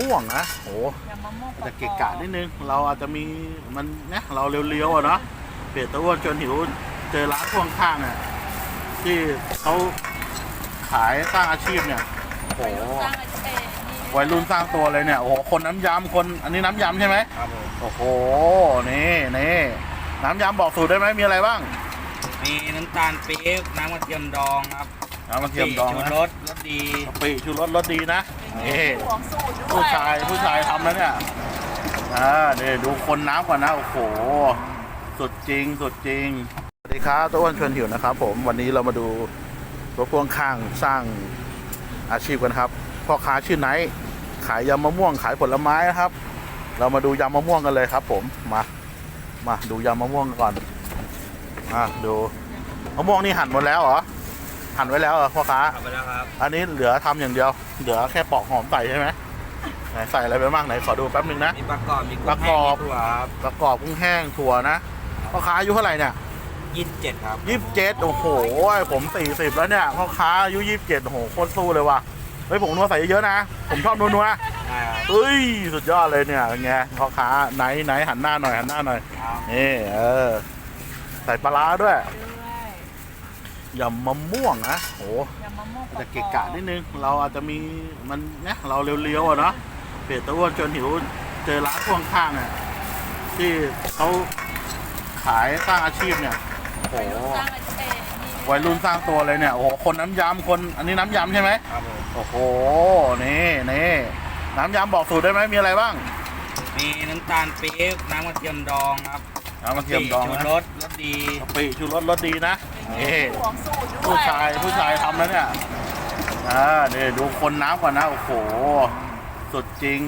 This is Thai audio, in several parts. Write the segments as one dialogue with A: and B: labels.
A: ม่วงนะโอ้จะเกะกะนิดนึงเราอาจจะมีมันเนี่ยเราเลี้ยวๆอ่ะเนาะเพจตะอ้วนจนหิวเจอร้านพ่วงข้างเนี่ยที่เขาขายสร้างอาชีพเนี่ยโอ้โหวัยรุ่นสร้างตัวเลยเนี่ยโอ้โหคนน้ำยำคนอันนี้น้ำยำใช่ไหม
B: ครับผม
A: โอ้โหนี่น้ำยำบอกสูตรได้ไหมมีอะไรบ้าง
B: มีน้ำตาลปี๊บน้ำกระเทียมดองครับ
A: น้ำกระเทียมดอง
B: ชู
A: นะ
B: รสดี
A: กะปิชูรสดีนะนี่ผู้ชายทำแล้วเนี่ยนี่ดูคนน้ำก่อนนะโอ้โหสุดจริงสวัสดีครับตัวอ้วนชวนหิวนะครับผมวันนี้เรามาดูรถพ่วงข้างสร้างอาชีพกันครับพ่อค้าชื่อไนท์ขายยำมะม่วงขายผลไม้นะครับเรามาดูยำมะม่วงกันเลยครับผมมาดูยำมะม่วงก่อนดูมะม่วงนี่หั่นหมดแล้วเหรอหั่นไว้แล้วเหรอพ่อค้า
B: ทำไปแล้วครับ
A: อันนี้เหลือทำอย่างเดียวเหลือแค่ปอกหอมใส่ใช่ไหมไหนใส่อะไรไปบ้างไหนขอดูแป๊บนึงนะ
B: มีประกอบมีกุ้งแห้งมีถั่วครับ
A: ประกอบกุ้งแห้งถั่วนะพ่อค้าอายุเท่าไหร่เนี่ย
B: 27ครับ
A: 27โอ้โหผม40แล้วเนี่ยพ่อค้าอายุ27โอ้โหโคตรสู้เลยว่ะเฮ้ยผมนัวใส่เยอะๆนะผมชอบนัวเฮ้ยสุดยอดเลยเนี่ยไงพ่อค้าไหนหันหน้าหน่อยนี่ใส่ปลาร้าด้วยยำมะม่วงนะโอ้จะเกะกะนิดนึงเราอาจจะมีมันเนี่ยเราเลี้ยวๆอ่ะเนาะเพจตะอ้วนจนหิวเจอร้านพ่วงข้างเนี่ยที่เขาขายสร้างอาชีพเนี่ยโอ้โหวัยรุ่นสร้างตัวเลยเนี่ยโอ้โหคนน้ำยำคนอันนี้น้ำยำใช่ไหม
B: ครับผม
A: โอ้โหนี่น้ำยำบอกสูตรได้ไหมมีอะไรบ้าง
B: มีน้ำตาลปี๊บน้ำกระเทียมดองครับ
A: น้ำกระเทียมดองนะ
B: ชูรสดี
A: กะปิชูรสดีนะนี่ผู้ชายทำแล้วเนี่ยนี่ดูคนน้ำก่อนนะโอ้โหสุดจริง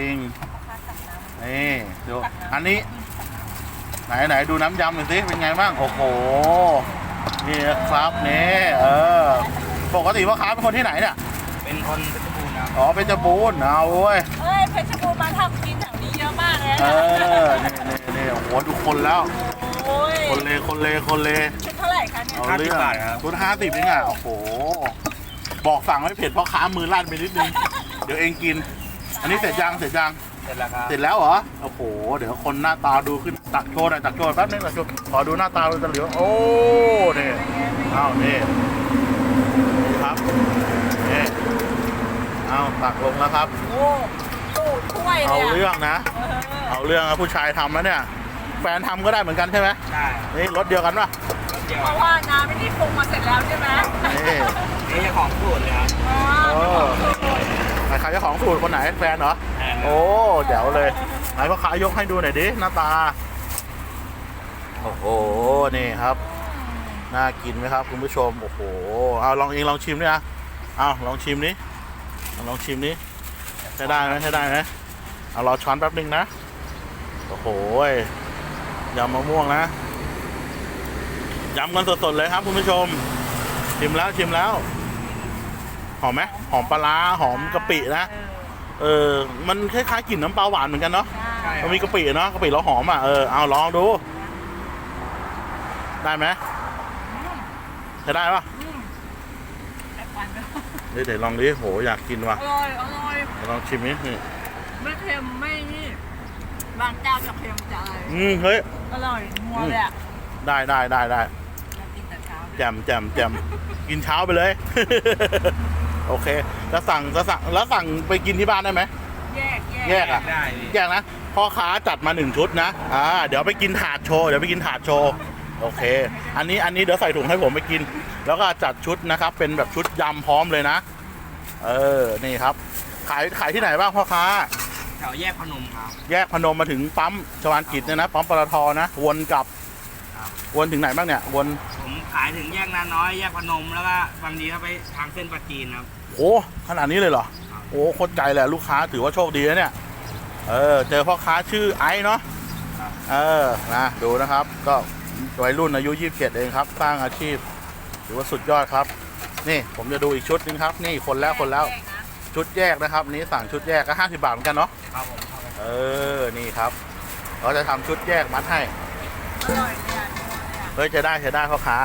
A: นี่ดูอันนี้ไหนดูน้ำยำหน่อยสิเป็นไงบ้างโอ้โหนี่ครับนี่ปกติพ่อค้าเป็นคนที่ไหนเนี่ย
B: เป็นคนเพชรบูรณ์ครับ
A: อ๋อเพชรบูรณ์เอาเว้ย
C: เพชรบูรณ์มาทำกินแถวนี้เยอะมากเลย
A: นี่โอ้โหดูคนแล้วคนเล
C: ชุดเท่าไหร่คะเนี่ย
B: 50 บาทครับ
A: ชุด50เองอ่ะโอ้โหบอกสั่งไม่เผ็ดเพราะค้ามือลั่นไปนิดนึงเดี๋ยวเองกินอันนี้เสร็จยัง
B: เสร็จแล้วครับ
A: เสร็จแล้วเหรอโอ้โหเดี๋ยวคนหน้าตาดูขึ้นตักโชว์แป๊บนึงขอดูหน้าตาดูตะเหลียวโอ้นี่นี่ครับนี่ตักลงแล้วครับ
C: โอ้ตู้ถ้วย
A: เอาเรื่องนะเอาเรื่องนะผู้ชายทำแล้วเนี่ยแฟนทำก็ได้เหมือนกันใช่ไหม
B: ใช่
A: นี่รถเดียวกันป่ะ
C: เพราะว่าน้ำไม่ได้ปรุงมาเสร็จแล้วใช่ไหม
B: นี่จะของสูตรเลยครับ
A: ใครเจ้าของสูตรคนไหนแฟนเหรอโอ้เดี๋ยวเลยไหนพ่อค้ายกให้ดูหน่อยดิหน้าตาโอ้โหนี่ครับน่ากินไหมครับคุณผู้ชมโอ้โหเอาลองชิมดิลองชิมนี้ใช้ได้ไหมเอารอช้อนแป๊บนึงนะโอ้โหยำมะม่วงนะยำกันสดๆเลยครับคุณผู้ชมชิมแล้วหอมไหมหอมปลาร้าหอมกะปินะมันคล้ายๆกลิ่นน้ำปลาหวานเหมือนกันเนาะมันมีกะปิเนาะกะปิแล้วหอมเอาลองดูได้ไหมจะได้ปะเดี๋ยวลองดิโหอยากกินว่ะ
C: อร่อย
A: ลองชิมนิด
C: ไม่เค็มไม่นี่บางเจ้าจะเค็มจะอะไร
A: เฮ้ย
C: อร่อยนัวเลยอ่ะ
A: ได้
C: กินแต่เช้า
A: แจ่มกินเช้าไปเลยโอเคแล้วสั่งไปกินที่บ้านได้ไหมแยกนะพ่อค้าจัดมา1ชุดนะเดี๋ยวไปกินถาดโชว์โอเคอันนี้เดี๋ยวใส่ถุงให้ผมไปกินแล้วก็จัดชุดนะครับเป็นแบบชุดยำพร้อมเลยนะนี่ครับขายที่ไหนบ้างพ่อค้า
B: แถวแยกพนมครับ
A: แยกพนมมาถึงปั๊มชวานกิจเนี่ยนะปั๊มปตทนะวนถึงไหนบ้างเนี่ย
B: ผมขายถึงแยกนาน้อยแยกพนมแล้วก็บางทีก็ไปทางเส้นปราจีนครับ
A: โอ้ขนาดนี้เลยเหรอโอ้โคตรใจแหละลูกค้าถือว่าโชคดีนะเนี่ยเจอพ่อค้าชื่อไอ้เนาะนะดูนะครับก็วัยรุ่นอายุ27เองครับสร้างอาชีพถือว่าสุดยอดครับนี่ผมจะดูอีกชุดนึงครับนี่คนแล้วชุดแยกนะครับนี้สั่งชุดแยกก็50 บาทเหมือนกันเนาะ
B: ครับผม
A: นี่ครับเราจะทำชุดแยกมัดให้
C: อร่อยเลย
A: เฮ้ยจะได้พ่อค้า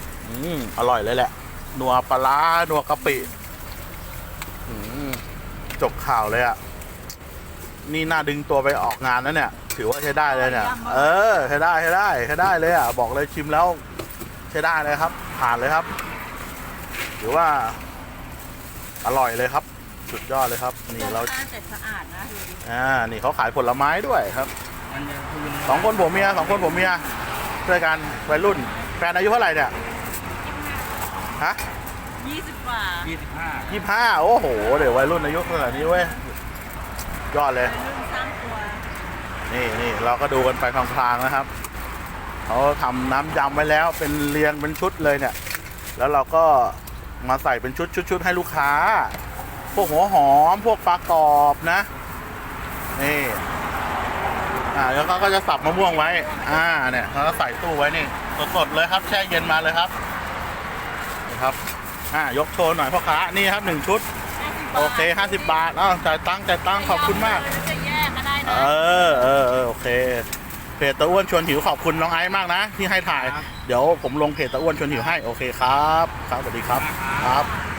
A: อร่อยเลยแหละนัวปลาร้านัวกะปิจบข่าวเลยอ่ะนี่น่าดึงตัวไปออกงานแล้วเนี่ย ถือว่าใช้ได้เลยเนี่ย ใช้ได้เลยอ่ะบอกเลยชิมแล้วใช้ได้เลยครับ ผ่านเลยครับถือว่าอร่อยเลยครับ สุดยอดเลยครับ นี่เรา
C: สะสะอาดนะดูดิ
A: นี่เขาขายผลไม้ด้วยครับ
B: มันจะคืน
A: สองคนผัวเมียช่วยกันวัยรุ่นแฟนอายุเท่าไหร่เนี่ยฮะ
C: 20 กว่า
B: 25
A: 25โอ้โหเดี๋ยววัยรุ่นอายุขนาดนี้เว้ยยอดเลย
C: เป็นรุ่นสร้างตัว
A: นี่เราก็ดูกันไปพลางๆนะครับเขาทำน้ำยำไว้แล้วเป็นเรียงเป็นชุดเลยเนี่ย แล้วเราก็มาใส่เป็นชุดให้ลูกค้า พวกหัวหอมพวกปลากรอบนะนี่แล้วก็จะสับมะม่วงไว้เนี่ยเขาก็ใส่ตู้ไว้นี่สดๆเลยครับแช่เย็นมาเลยครับนี่ครับยกโชว์หน่อยพ่อค้านี่ครับ1ชุดโอเค50 บาทจ่ายตังค์ขอบคุณมาก
C: จะแยกก็ได้นะ
A: โอเคเพจตะอ้วนชวนหิวขอบคุณน้องไอซ์มากนะที่ให้ถ่าย เดี๋ยวผมลงเพจตะอ้วนชวนหิวให้โอเคครับสวัสดีครับครับ